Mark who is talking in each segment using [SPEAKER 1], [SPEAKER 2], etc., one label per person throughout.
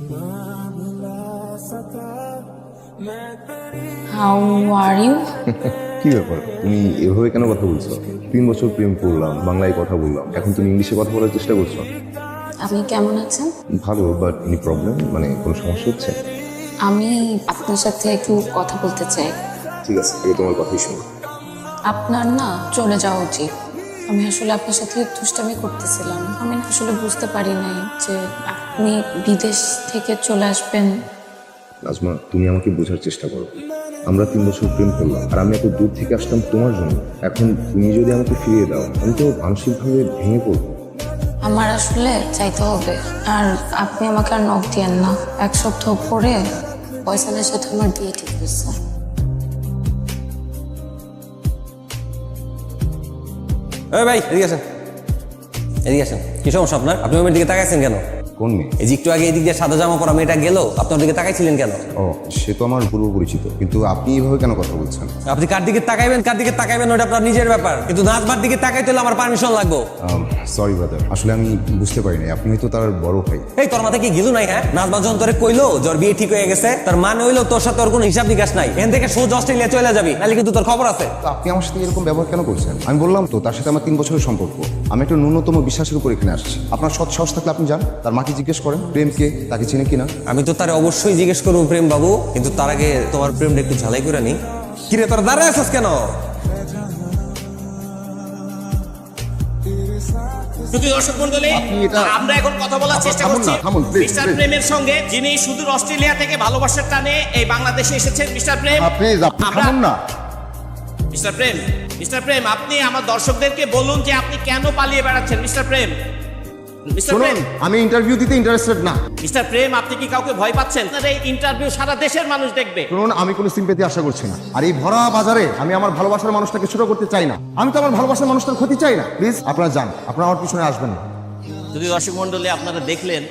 [SPEAKER 1] How are you?
[SPEAKER 2] কি ব্যাপার, তুমি এভাবে কেন কথা বলছো? 3 বছর প্রেম করলাম, বাংলায় কথা বললাম, এখন তুমি ইংলিশে কথা বলার চেষ্টা করছো।
[SPEAKER 1] আপনি কেমন আছেন?
[SPEAKER 2] ভালো, বাট এনি প্রবলেম, মানে কোনো সমস্যা হচ্ছে?
[SPEAKER 1] আমি আপনার সাথে একটু কথা বলতে চাই।
[SPEAKER 2] ঠিক আছে, আগে তোমার কথাই শুনো।
[SPEAKER 1] আপনার না চলে যাওয়া উচিত। আমি আসলে আপনার সাথে দুষ্টামি করতেছিলাম। আমি না আসলে বুঝতে পারি নাই যে আপনি বিদেশ থেকে চলে আসবেন।
[SPEAKER 2] নাজমা, তুমি আমাকে বোঝার চেষ্টা করো। আমরা 3 বছর প্রেম করলাম, আর আমি এত দূর থেকে আসলাম তোমার জন্য। এখন তুমি যদি আমাকে ফিরিয়ে দাও, আমি তো মানসিকভাবে ভেঙে পড়বো।
[SPEAKER 1] আমার আসলে চাইতে হবে, আর আপনি আমাকে আর নক দিয়েন না। 1 সপ্তাহ পরে ফয়সালের সাথে আমার বিয়ে ঠিক হয়েছে।
[SPEAKER 3] ভাই এদিকে আসেন, এদিকে আসেন। কি সমস্যা আপনার? আপনি আমার দিকে তাকাইছেন কেন?
[SPEAKER 2] কোন মেয়ে?
[SPEAKER 3] এই যে একটু আগে এদিক দিয়ে সাদা জামা পরা মেয়েটা গেল, আপনার দিকে তাকাইছিলেন কেন?
[SPEAKER 2] ও, সে তো আমার পূর্ব পরিচিত, কিন্তু আপনি এভাবে কেন কথা বলছেন?
[SPEAKER 3] আপনি কার দিকে তাকাইবেন ওটা আপনার নিজের ব্যাপার, কিন্তু নাচবার দিকে তাকাইতে হলে আমার পারমিশন লাগবে।
[SPEAKER 2] সরি ব্রাদার, আসলে আমি বুঝতে পারিনি আপনি হয়তো তার বড় ভাই।
[SPEAKER 3] এই তোর মাথায় কি গিলু নাই? হ্যাঁ, নাচবার যখন তোরে কইলো জ্বর বিয়ে ঠিক হয়ে গেছে, তার মানে হইলো তোর সাথে ওর কোনো হিসাব নিকাশ নাই। এখান থেকে সোজা অস্ট্রেলিয়া চলে যাবি, নাহলে কিন্তু তোর খবর আছে।
[SPEAKER 2] তো আপনি আমার সাথে এরকম ব্যবহার কেন করছেন? আমি বললাম তো, তার সাথে আমার 3 বছরের সম্পর্ক। আমি একটা ন্যূনতম বিশ্বাসের উপর এখানে আসছি। আপনার সৎ সাহস থাকলে আপনি যান, তার মাকে জিজ্ঞেস করেন প্রেমকে, তাকে চিনে কিনা।
[SPEAKER 3] আমি তো তারে অবশ্যই জিজ্ঞেস করবো প্রেম বাবু, কিন্তু তার আগে তোমার প্রেমটা একটু ঝালাই করে নি। কিরে তোর দাঁড়ায় আছিস কেন?
[SPEAKER 4] শুধু দর্শক মণ্ডলী, আমরা এখন কথা বলার চেষ্টা করছি মিস্টার প্রেমের সঙ্গে, যিনি সুদূর অস্ট্রেলিয়া থেকে ভালোবাসার টানে এই বাংলাদেশে এসেছেন। মিস্টার প্রেম, মিস্টার প্রেম, আপনি আমার দর্শকদেরকে বলুন যে আপনি কেন পালিয়ে বেড়াচ্ছেন। মিস্টার প্রেম,
[SPEAKER 2] আমি ইন্টারভিউ দিতে ইন্টারেস্টেড না।
[SPEAKER 4] মিস্টার প্রেম, আপনি কি কাউকে ভয় পাচ্ছেন? এই ইন্টারভিউ সারা দেশের মানুষ দেখবে।
[SPEAKER 2] শুনুন, আমি কোনো সিম্পেথি আশা করছি না। আর এই ভরা বাজারে আমি আমার ভালোবাসার মানুষটাকে ছোট করতে চাই না। আমি তো আমার ভালোবাসার মানুষটার ক্ষতি চাই না। প্লিজ আপনারা যান, আপনারা আমার পিছনে আসবেন না।
[SPEAKER 4] যদি দর্শক মণ্ডলী আপনারা দেখলেন,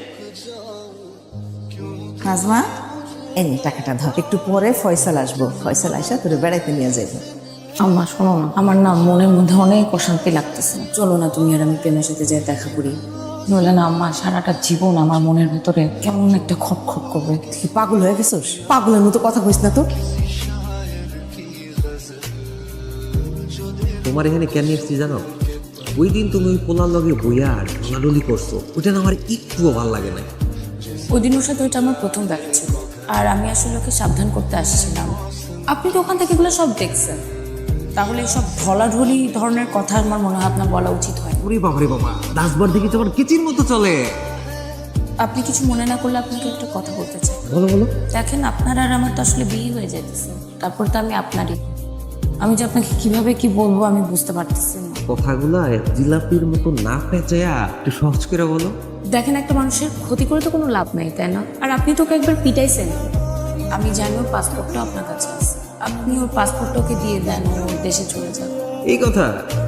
[SPEAKER 5] নাজমা, এই নে টাকাটা ধর। একটু পরে ফয়সাল আসবো, ফয়সাল আইসা তোরে বেড়াইতে নিয়ে যাইব।
[SPEAKER 1] আম্মা শোনো না, আমার না মনের মধ্যে অনেক অশান্তি লাগতেছে। চলো না তুমি আর আমি প্রেমের সাথে যেয়ে দেখা করি। নইলে না আম্মা সারাটা জীবন আমার মনের ভিতরে কেমন একটা খপ খপ করবে।
[SPEAKER 5] তুই কি পাগল হয়ে গেছিস? পাগলের মতো কথা কইস না তো।
[SPEAKER 6] তোমার এখানে কেন এসছি জানো? ওই দিন তুমি ওই পোলার লগে বইয়া আর ঢলাঢলি করছো, ওটা না আমার একটুও ভালো লাগে না।
[SPEAKER 1] ওই দিন ওর সাথে ওইটা আমার প্রথম দেখা ছিল, আর আমি আসলে ওকে সাবধান করতে আসছিলাম। আপনি তো ওখান থেকে এগুলো সব দেখছেন, তাহলে সব ঢলাঢলি ধরনের কথা আমার মনে হয় আপনার বলা উচিত হয়।
[SPEAKER 6] ওরে বাবা রে বাবা, নাচবার দিকে তোমার কিচির মতো চলে।
[SPEAKER 1] আপনি কিছু মনে না করলে আপনাকে একটা কথা বলতে চাই।
[SPEAKER 6] বলো বলো।
[SPEAKER 1] দেখেন, আপনার আর আমার তো আসলে বিয়ে হয়ে যাইতেছে, তারপর তো আমি আপনারই। আমি যে আপনাকে কিভাবে কি বলবো আমি বুঝতে পারতেছি না।
[SPEAKER 6] কথাগুলা জিলাপির মতো না পেঁচায়া একটু সহজ করে বলো।
[SPEAKER 1] দেখেন, একটা মানুষের ক্ষতি করে তো কোনো লাভ নাই, তাই না? আর আপনি তো ওকে একবার পিটাইছেন। আমি জানি ওর পাসপোর্টটা আপনার কাছে আছে, আপনি ওর পাসপোর্টটা ওকে দিয়ে দেন, ও ওর দেশে চলে যান।
[SPEAKER 6] এই কথা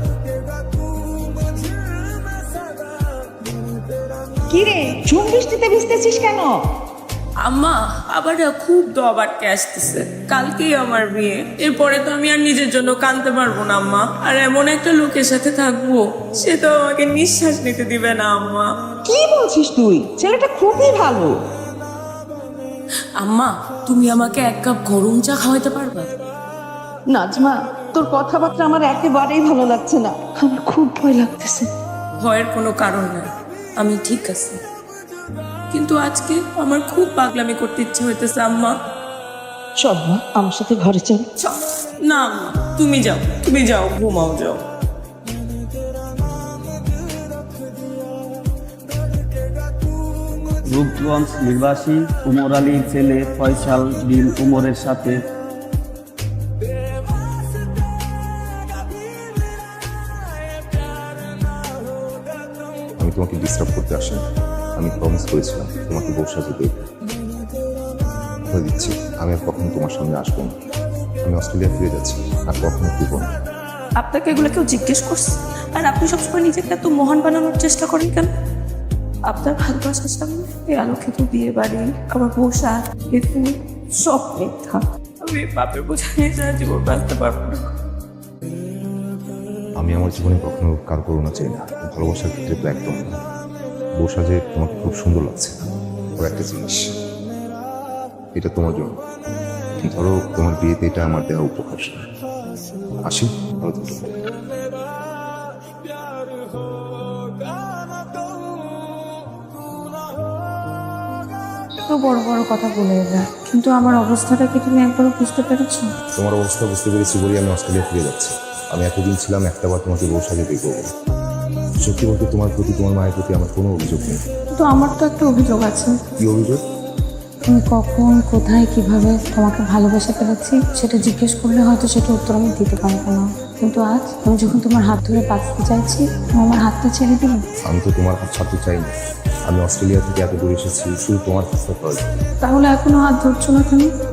[SPEAKER 5] কি রে, ঝুম বৃষ্টিতে ভিজতেছিস কেন?
[SPEAKER 7] আম্মা, আবার খুব দব আটকে আসতেছে। কালকেই আমার বিয়ে, এরপরে তো আমি আর নিজের জন্য কাঁদতে পারবো না আম্মা। আর এমন একটা লোকের সাথে থাকবো, সে তো আমাকে নিঃশ্বাস নিতে দিবে না আম্মা।
[SPEAKER 5] কি বলছিস তুই? ছেলেটা খুবই ভালো।
[SPEAKER 7] আম্মা, তুমি আমাকে 1 কাপ গরম চা খাওয়াতে পারবা?
[SPEAKER 5] নাজমা, তোর কথাবার্তা আমার একেবারেই ভালো লাগছে না। আমার খুব ভয় লাগতেছে।
[SPEAKER 7] ভয়ের কোনো কারণ নাই, আমি ঠিক আছি। কিন্তু আজকে আমার খুব পাগলামি করতে ইচ্ছে হইতেছে আম্মা।
[SPEAKER 5] চল মা, আমার সাথে ঘরে চল।
[SPEAKER 7] চল। না আম্মা, তুমি যাও, ঘুমাও, যাও।
[SPEAKER 8] রূপগঞ্জ নিবাসী উমর আলীর ছেলে ফয়সাল বিন উমরের সাথে
[SPEAKER 2] আমি তোমাকে ডিস্টার্ব করতে আসি, আমি প্রমিস করেছিলাম তোমাকে বউ সাজে দেব। হয়ে দিচ্ছি, আমি আর কখনো তোমার সামনে আসবো না। আমি অস্ট্রেলিয়া ফিরে যাচ্ছি, আর কখনো ফিরবো না।
[SPEAKER 7] আপনাকে এগুলো কেউ জিজ্ঞেস করছে? আর আপনি সবসময় নিজেকে এত মহান বানানোর চেষ্টা করেন কেন? আপনার ভালোবাসার সামনে এই আলোকিত বিয়ে বাড়ি, আমার পোশাক, এই ফুল, সব মিথ্যা। আমি বাপের বোঝা নিয়ে সারা জীবন বাঁচতে পারবো না।
[SPEAKER 2] আমি আমার জীবনে কখনো কার করুণা চাই না, ভালোবাসার ক্ষেত্রে তো একদম না। বউ সাজে তোমাকে খুব সুন্দর লাগছে, রাখো একটা জিনিস, এটা তোমার জন্য। ধরো তোমার বিয়েতে এটা আমার দেওয়া উপহার। আসি, ভালো থেকো।
[SPEAKER 7] তো বড় বড় কথা বলে এলে, কিন্তু আমার অবস্থাটা কি তুমি একবারও বুঝতে পেরেছো?
[SPEAKER 2] তোমার অবস্থা বুঝতে পেরেছি বলেই আমি অস্ট্রেলিয়া ফিরে যাচ্ছি। আমি এতদিন ছিলাম একটাবার তোমাকে বউ সাজে দেখবো বলে। সত্যি বলতে তোমার প্রতি, তোমার মায়ের প্রতি আমার কোনো অভিযোগ নেই।
[SPEAKER 7] কিন্তু আমার তো একটা অভিযোগ আছে।
[SPEAKER 2] কি অভিযোগ?
[SPEAKER 7] তুমি কখন, কোথায়, কিভাবে তোমাকে ভালোবেসে ফেলেছি সেটা জিজ্ঞেস করলে হয়তো সেটা উত্তর আমি দিতে পারবো না, কিন্তু আজ আমি যখন তোমার হাত ধরে বাঁচতে চাইছি, তুমি আমার হাতটা ছেড়ে দিলে।
[SPEAKER 2] আমি তো তোমার হাত ছাড়তে চাইনি। আমি অস্ট্রেলিয়া থেকে এত দূরে এসেছি শুধু তোমার হাতটা পাওয়া যায়।
[SPEAKER 7] তাহলে এখনো হাত ধরছো না কেন?